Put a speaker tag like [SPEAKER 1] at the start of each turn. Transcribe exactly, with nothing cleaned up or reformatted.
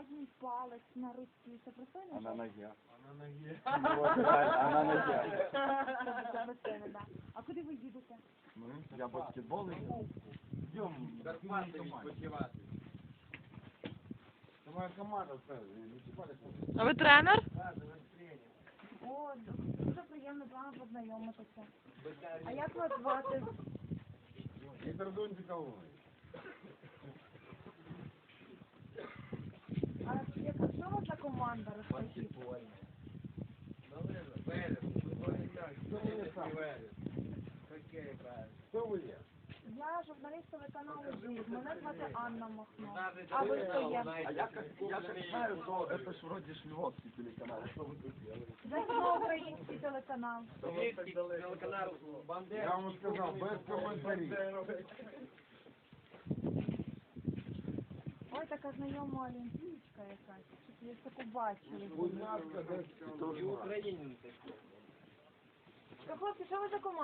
[SPEAKER 1] Середній палець на руці. Це пристойно?
[SPEAKER 2] А на ноге.
[SPEAKER 3] А на ноге.
[SPEAKER 2] А на ноге.
[SPEAKER 1] Це пристойно, да. А куди ви їдете?
[SPEAKER 2] Ну, я баскетбол играю. Идем.
[SPEAKER 3] Карпати відпочивати.
[SPEAKER 2] Это моя команда,
[SPEAKER 4] А ви тренер?
[SPEAKER 1] О, дуже приємно з вами познайомитися. А як вас звати?
[SPEAKER 2] Виктор Дунтиковой.
[SPEAKER 1] А яка що у вас за команда, розкажіть?
[SPEAKER 2] Кто вы есть?
[SPEAKER 1] Я журналіст телеканалу «Жив». Мене звати Анна Махно. А ви хто є?
[SPEAKER 2] А я как, я как знаю, то это ж вроде ж львовский телеканал. Что вы тут делаете?
[SPEAKER 1] Західноукраїнський телеканал.
[SPEAKER 3] Телеканал Бандера.
[SPEAKER 2] Я вам сказал, без комментариев.
[SPEAKER 1] Ой, така знайома олімпійська якась. Я ж таку бачили.
[SPEAKER 2] Будь ласка, десь.
[SPEAKER 3] І українці.
[SPEAKER 1] Хлопці, що ви за команда?